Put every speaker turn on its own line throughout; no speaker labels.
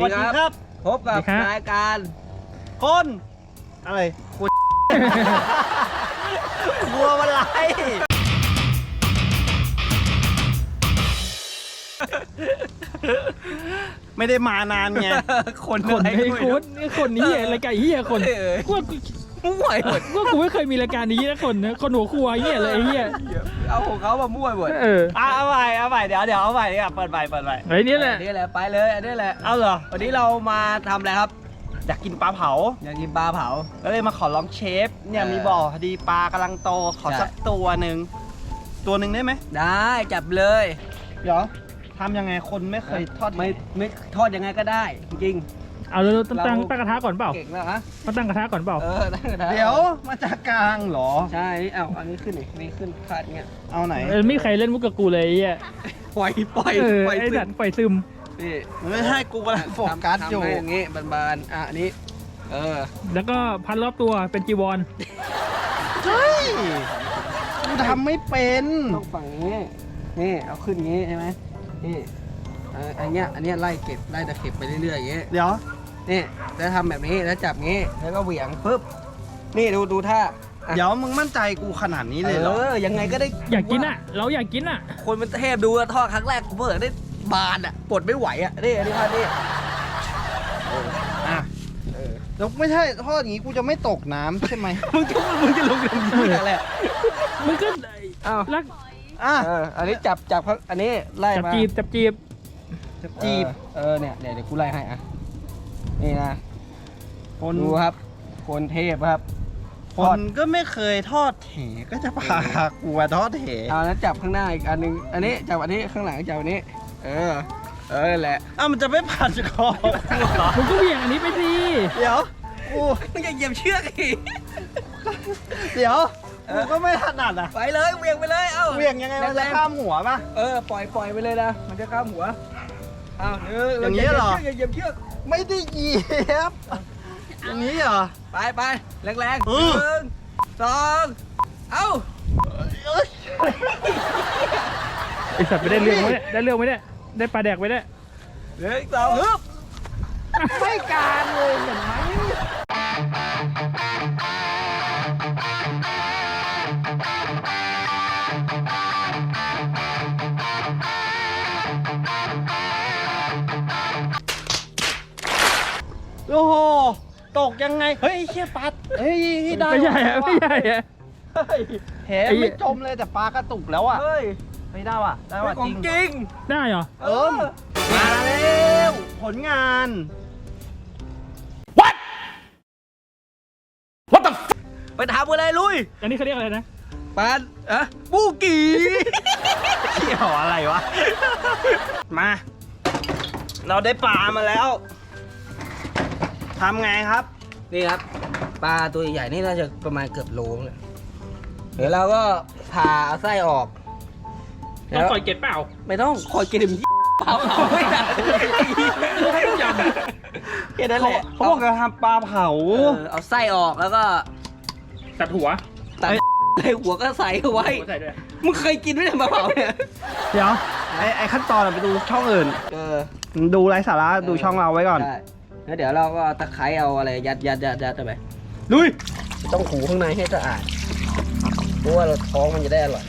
วัสดีครับพบกับรายการคนอะไรคุณกลัวอะไรไม่ได้มานานไงคนอะไร
ไอ้คุณนี่คนนี้อะไรไก่เหี้ยคนกู
มั่วหมด
กูไม่เคยมีรายการนี้นะคนหัวครัวเหี้ยเลยไอ้เหี้ย
เอาของเขามามั่วหมดเอาใหม่เดี๋ยวเอาใหม่ดีกว่าเปิดใหม่
ไอ้นี่แหละ
ไปเลยอันนี้แหละเอาเหรอวันนี้เรามาทำอะไรครับอยากกินปลาเผาก็เลยมาขอร้องเชฟเนี่ยมีบ่อพอดีปลากำลังโตขอสักตัวหนึ่งได้ไหมได้จับเลยเดี๋ยวทำยังไงคนไม่เคยทอดไม่ทอดยังไงก็ได้จริง
เอาเราตั้งกระทะก่อนเปล่า
เก่งแล้วฮะ
มาตั้งกระทะก่อนเปล่า
ตั้งกระทะเดี๋ยวมาจากกลางเหรอใช่เอาอันนี้ขึ้นนี่ขึ้นคาดเงี้ยเอาไหน
ไม่ใครเล่นมุกกับกูเลยไอ้
ปล่อย
ไอ้ดันปล่อยซึม
นี่ไม่ใช่กูกำลังโฟกัสอยู่อย่างงี้บานอันนี้
แล้วก็พันรอบตัวเป็นจีวร
เฮ้ยกูทำไม่เป็นต้องฝั่งนี้นี่เอาขึ้นงี้ใช่ไหมนี่อันเนี้ยไล่ตะเข็บไปเรื่อยๆอย่างเงี้ยเดี๋ยวนี่จะทำแบบนี้แล้วจับงี้แล้วก็เหวี่ยงปึ๊บนี่ดูท่าเดี๋ยวมึงมั่นใจกูขนาดนี้เลยเหรอยังไงก็ได้
อยากกินอ่ะเราอยากกินอ่ะ
คนมันเทพดูทอดครั้งแรกกูเพิ่งได้บานอ่ะปลดไม่ไหวอ่ะนี่อันนี้ท่านี่แล้วไม่ใช่ทอดอย่างงี้กูจะไม่ตกน้ำใช่ไหมมึงจะลงน้ำอะไร
มึงก็รัก
อันนี้จับอันนี้ไล่มา
จับจีบ
เนี่ยเดี๋ยวกูไล่ให้อ่ะนี่นะคนดูครับคนเทพครับคนก็ไม่เคยทอดแหก็จะพากูมาทอดแหเอาแล้วจับข้างหน้าอีกอันนึงอันนี้จับอันนี้ข้างหลังจับอันนี้แหละมันจะไม่ผ่านคอ
มึงก็เหวี่ยงอันนี้ไปสิ
เดี๋ยวกูมึงจะเหยียบเชือกอีกเดี๋ยวกูก็ไม่ถนัดอ่ะไปเลยเหวี่ยงไปเลยเหวี่ยงยังไงมันจะข้ามหัวป่ะปล่อยไปเลยนะมันจะข้ามหัวอย่างนี้เหรอเหยียบเชือกไม่ได้เหยียบอย่างนี้เหรอไปแรงๆ1 2
ไอสัตว์ไปได้เรื่องไหมเนี่ยได้ปลาแดกไปได้
1 2ไม่การเลยเห็นไหมโอ้โหตกยังไงเฮ้ยเชี่ยปลาได้
ไม่ใหญ่
แหไม่จมเลยแต่ปลากระตุกแล้วอ่ะไม่ได้ว่ะจริง
ได้เหรอ
มาแล้วผลงาน What the ไปทำอะไรลุย
อันนี้เขาเรียกอะไรนะ
ปลาบูกีเกี่ยวอะไรวะมาเราได้ปลามาแล้วทำไงครับนี่ครับปลาตัวใหญ่นี่น่าจะประมาณเกือบโลเลยเดี๋ยวเราก็ผ่าเอาไส้ออก
ต้องคอยเก็บเปล่า
ไม่ต้องคอยเก็บเปล่า
ให้ยำ
แค่นั้นแหละเขาบอกจะทำปลาเผาเอาไส้ออกแล้วก็
ตัดหัว
หัวก็ใส่เอาไว้มึงเคยกินไหมปลาเผาเนี่ยเดี๋ยวไอ้ขั้นตอนไปดูช่องอื่นดูไร้สาระดูช่องเราไว้ก่อนแล้วเดี๋ยวเราก็ตะไคร้เอาอะไรยัดไปลุยต้องขูข้างในให้สะอาดเพราะว่าเราท้องมันจะได้อร่อย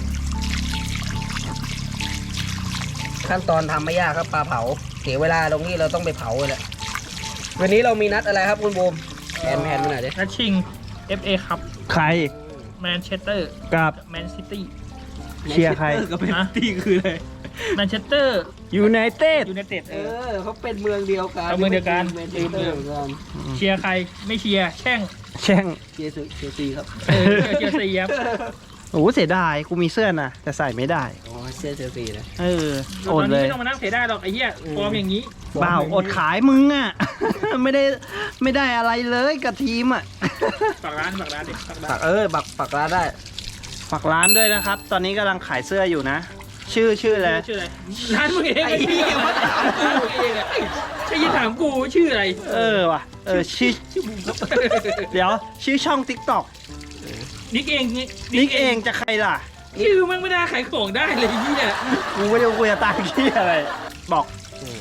ขั้นตอนทำไม่ยากครับปลาเผาเสียเวลาตรงนี้เราต้องไปเผาเลยแหละวันนี้เรามีนัดอะไรครับคุณบูมแผนมาหน่อยดิ
นัดชิง FA ครับ
ใคร
แมนเชสเตอร์
กับ
แมนซิตี้
เชียร์ใคร
กับแมนซิตี้คืออะไรแมนเชสเตอร์
ยูไนเต็ดเขาเป็นเมืองเดียวกัน
เชียร์ใครไม่เชียร์แช่ง
เชียร์ซีครับ
เชียร์ซีครับ
โอ้เสียดายกูมีเสื้อนะแต่ใส่ไม่ได้เสื้อเชียร์ซีนะ
อดเลยไม่ต้องมานั่งเสียดายหรอกไอ้เหี้ยฟอร์มอย่างนี้
เปล่าอดขายมึงอ่ะไม่ได้อะไรเลยกับทีมอ่ะ
ฝากร้านดิฝากร้าน
ได้ฝากร้านด้วยนะครับตอนนี้กำลังขายเสื้ออยู่นะชื่ออะไร
ร้านมึงเองไอ้เหี้ยมาถามกูเองอ่ะไอ้ยี่ถามกูชื่ออะไร
ว่ะชื่อเดี๋ยวชื่อช่อง TikTok
นิกเอง
จะใครล่ะ
ชื่อมันไม่ได้ขายของได้เลยเนี่ย
กูไม่ได้คุยกับตาขี้อะไรบอก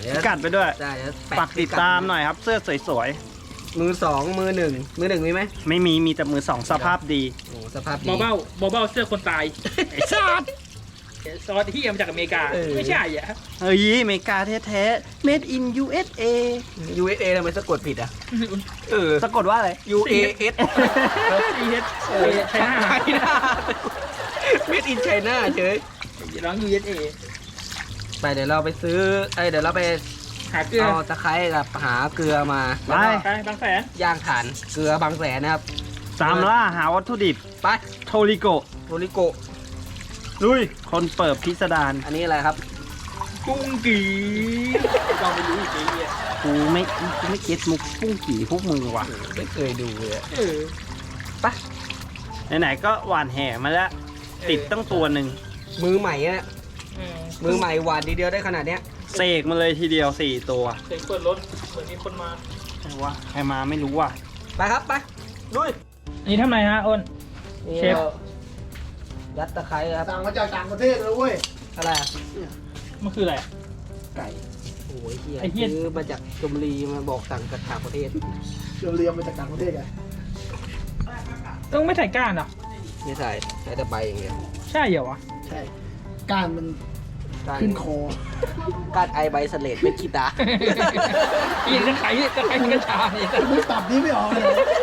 กัดไปด้วย
ได้เดี๋ยวแะ
ฝากติดตามหน่อยครับเสื้อสวย
มือสองมือหนึ่งมีไหม
ๆไม่มีแต่มือสองสภาพดี
โอ้สภาพดี
เบาเสื้อคนตายไอ้สัสซอสที่มาจากอเมริกาไม่ใช่อ่ะ
เฮ้ยอเมริกาแท้ๆ made in USA
USA ทำไมสะกดผิดอ่ะ
สะกดว่าอะไร
UAS
CH ใช่หน้า
Made in China เฉย
ร้อง USA
ไปเดี๋ยวเราไปซื้อเดี๋ยวเราไป
หาเกลือ
เอาตะไคร้กับหาเกลือมา
ไป
ไปบางแสน
ย่างถ่านเกลือบางแสนนะครับ
ตามล่าหาวัตถุดิบ
ไป
โทริโกะ
โทริโกะ
ลุย คนเปิดพิสดาร
อันนี้อะไรครับ
กุ้งกีเราไม่รู้อีกไอ้เหี้ย
กูไม่เก็ตมุกปุ้งกี่พวกมึงว่ะ
ไม่เคยดูเลยอะ
ไปไหนๆก็หวานแห่มาแล้ว ติดตั้งตัวหนึ่ง
มือใหม่อะมือใหม่หวานทีเดียวได้ขนาดเนี้ย
เสกมาเลยทีเดียว 4 ตัว
เสียงเปิดรถเหมือนมีคนมา
ใครวะใครมาไม่รู้ว่ะ
ไปครับไปลุย
นี่ทำไรฮะอ้น
นี่
เชฟ
รายัดตะไคร้ครับ
สั่งมาจากต่างประเทศเลยเว้ย
อะไรอะ
มันคืออะไร
ไก่โอ้ยเฮีย
ไอ้เหี้ย
ซื้อมาจากชลบุรีมาบอกสั่งจากต่างประเทศ
เรียมมาจากต่างประเทศไง
ต้องไม่ใส่ก้านเหรอ
ไม่ใส่ใช้แต่ใบอย่างเดียว
ใช่เหรอวะ
ใช่ก้านมัน
การ
ขึ้นคอ
การไอใบเสลดเป็นกีตาร์
อีกจะไขกระชาเนี่ย
มือตับนี้ไม่ออกเลย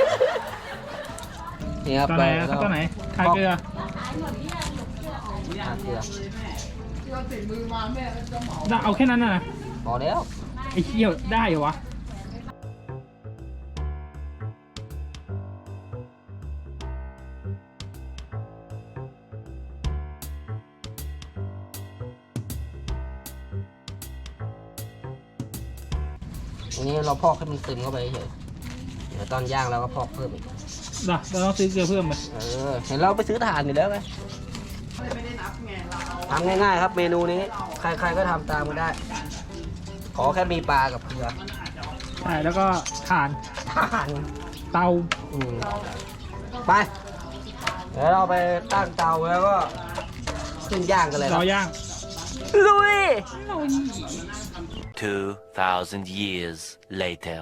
นี่ครับ
ตัวไหนครับตัวไหนทาเกลือ
ทาเกลือ
เอาแค่นั้นน่ะ
พอแล้ว
ไอ้เหี้ยได้เหรอวะ
อันนี้เราพอกให้มันซึมเข้าไปเฉยเดี๋ยวตอนย่างเราก็พอกเพิ่มอีก
เราต้องซื้อเกลือเพิ่มไหม
เห็นเราไปซื้อถ่านอยู่แล้วไงทำง่ายๆครับเมนูนี้ ใครๆก็ทำตามกันได้ ขอแค่มีปลากับเกลือ
ใช่แล้วก็ถ่าน
ถ่าน
เตา
ไป เดี๋ยวเราไปตั้งเตาแล้วก็ขึ้นย่างกันเลยค
ร
รับ
อย่าง
ลุย
2,000 years later.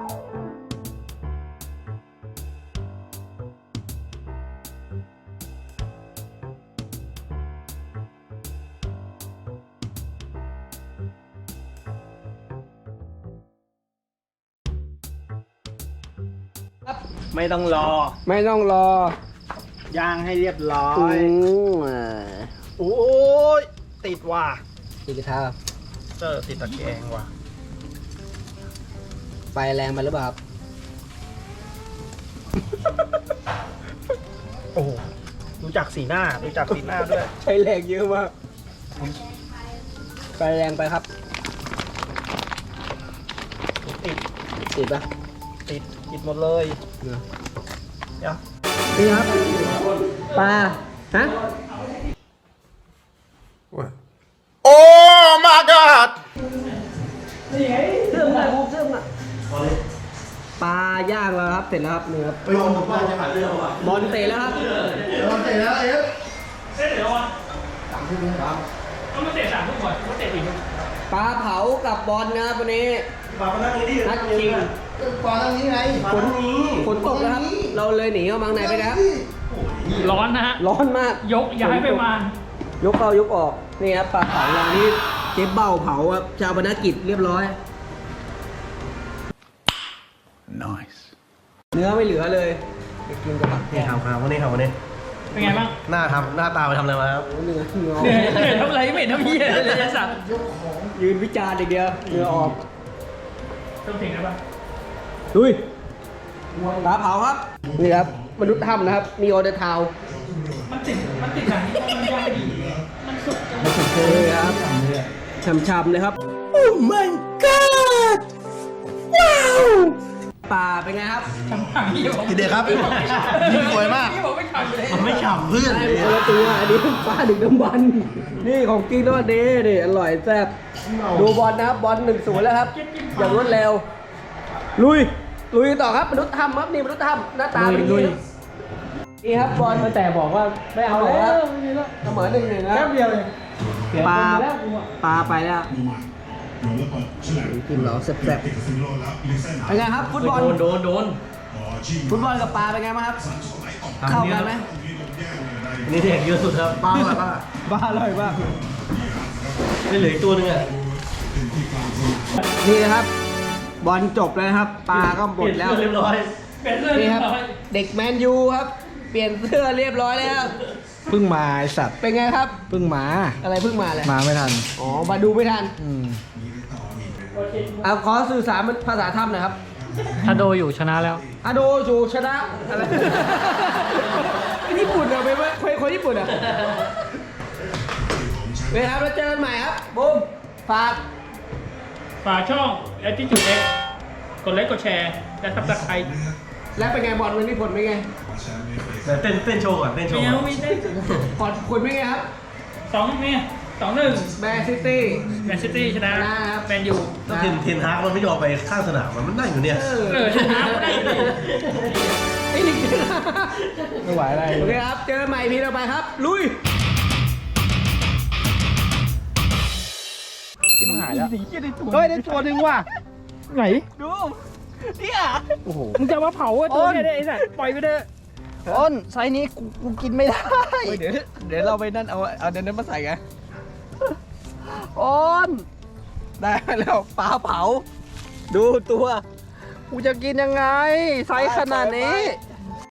ไม่ต้องรอ
ไม่ต้องรอย่าง
ให้เรียบร้อย โอ้ยติดว่ะ
ตีกระทะ
ติดตะแกรงว่ะ
ไฟแรงไปหรือเปล่าครับ
โอ้โหดูจากสีหน้าด้วย
ใช้แรงเยอะมากไฟแรงไปครับ
ติด
ติดปะ
ติดหมดเลย เดี๋ยว
นี่ครับปลาฮะ
Oh my god!
เสื่อมอ่ะปลาย่างแล้วครับเสร็จแล้วครับนี่ครับ
ไปโยนผมว่าจะหาเรื่องว่ะ
บอลเตะแล้วครับ
เราเสร็จแล้วเอ๊ะ
เสร็จแล้วอ่ะ
ต่างที่นี่ครับ
ต้องมาเตะ3ทุกคนมาเตะ4ทุก
ปลาเผากับบอลนะครับวันนี้
มานั่งนี่ดิ
นัดชิง
ปลาตั้งนี้ไง
ฝนตกแล้วครับ เราเลยหนีเข้ามาข้างในไปนะครับ
ร้อนนะฮะ
ร้อนมาก
ยกย้ายไปมาย
กเข้ายกออกนี่ครับปลาเผาเรานี่เจ๊เบ้าเผาครับชาวบรรณกิจเรียบร้อย
nice
เนื้อไม่เหลือเลยไปกินกับผักแก
นี่
ง
ครับวันนี้
เป็นไงบ้าง
หน้าตาไปทำอะไรมาครับ
เนื้อ
เหนื่อยทำอะไรไม่เห็นทำเหี้ยเลยไอ้สัตว์
ยืนวิจารณ์อย่างเดียวเนื้อออก
ต้องถึงนะป่ะ
ดุยปลาเผาครับนี่ครับมนุษย์ถ้ำนะครับมีออเดอร์ทาว
มันติดหนังที่มันย่างดีมันสุกจัง
เลยครับช่ำๆเลยครับ โอ้ my god ว้าวปลาเป็นไงครับ
ทำหางพี่บอก
ทีเด็ดครับยิ่งสวยมาก
พี่บอกไม่ทำเลย
มันไม่ฉ่ำเพื่อน
ได้คนละตัวอันนี้ปลาดึกดำบรรพ์นี่ของจริงด้วยเด้นี่อร่อยแซ่บดูบอลนะครับบอล1-0แล้วครับอย่างรวดเร็วลุยต่อครับมนุษย์ถ้ำครับนี่มนุษย์ถ้ำหน้าตาเป็นอย่างนี้ครับนี่ครับบอลแต่บอกว่าไม่เอาแล้วเสมอ1-1นะ
แป๊บเดียวเอง
ปลาไปแล้วกินเหรอแซ่บๆเป็นไงครับฟุตบอล
โดน
ฟุตบอลกับปลาเป็นไงบ้างครับ เข้ากันไหม
นี่เด็กเยอะสุดครับป้าป้า
บ้าอร่อยมาก
ไม่เหลืออีกตัวนึงอ่ะ
นี่นะครับ บอลจบแล้วนะครับ ปลาก็หมดแล้ว
เรียบร้อย
เป็นเรื่อง
นี่
เรีย
ครับ
บร้อย
เด็กแมนยูครับ เปลี่ยนเสื้อเรียบร้อยแล้ว
เพิ่งมาไอสัตว์
เป็นไงครับ
เพิ่งมา
อะไรเพิ่งมาเลย
มาไม่ทัน
อ๋อ มาดูไม่ทัน
อืม
เอาขอสื่อสารเป็นภาษาถ้ำหน่อยครับ
ถ้าโดอยู่ชนะแล้ว
อาโดจูชนะอะไร ญี่ปุ่นเหรอไปคนญี่ปุ่นเหรอเว้ยครับแล้วเจอกันใหม่ครับบูมฝาก
ฝากช่อง Attitude X กดไลค์กดแชร์และซับสไครต์
แล้วเป็นไงบอลวันนี้ผลเป็นไง
เต้นโชว์ก่อนเต้นโช
ไม่
ว์
เอา
ก่อน
ไม่ได้
ผลเป็นไงครับ
2-1
แมนซิตี้
แมนซิตี้ชนะ
นะครับ
แมนยู
ถ้าเทนฮากมันไม่ยอมไปข้างสนามมันนั่งอยู่เนี่ย
ชนะก็ได้เลย
ไอ้นี่
ไม่ไหวอะไร
โอเคครับ เจอกันใหม่พีต่อไปครับ ลุย
ที่มันหายแล้วเฮ้ยได้ตัวหนึ่งว่ะ ไหน
ดูเนี่ย
โอ้โห
มึงจะมาเผาตัวเนี่ยได้ไอ้สัตว์ปล่อยไปเถอะ
อ้นไซส์นี้กูกินไม่ได้เดี๋ยวเราไปนั่นเอาเดี๋ยวนั้นมาใส่ไงอ้นได้แล้วปลาเผา ดูตัวกูจะกินยังไงไซส์ขนาดนี้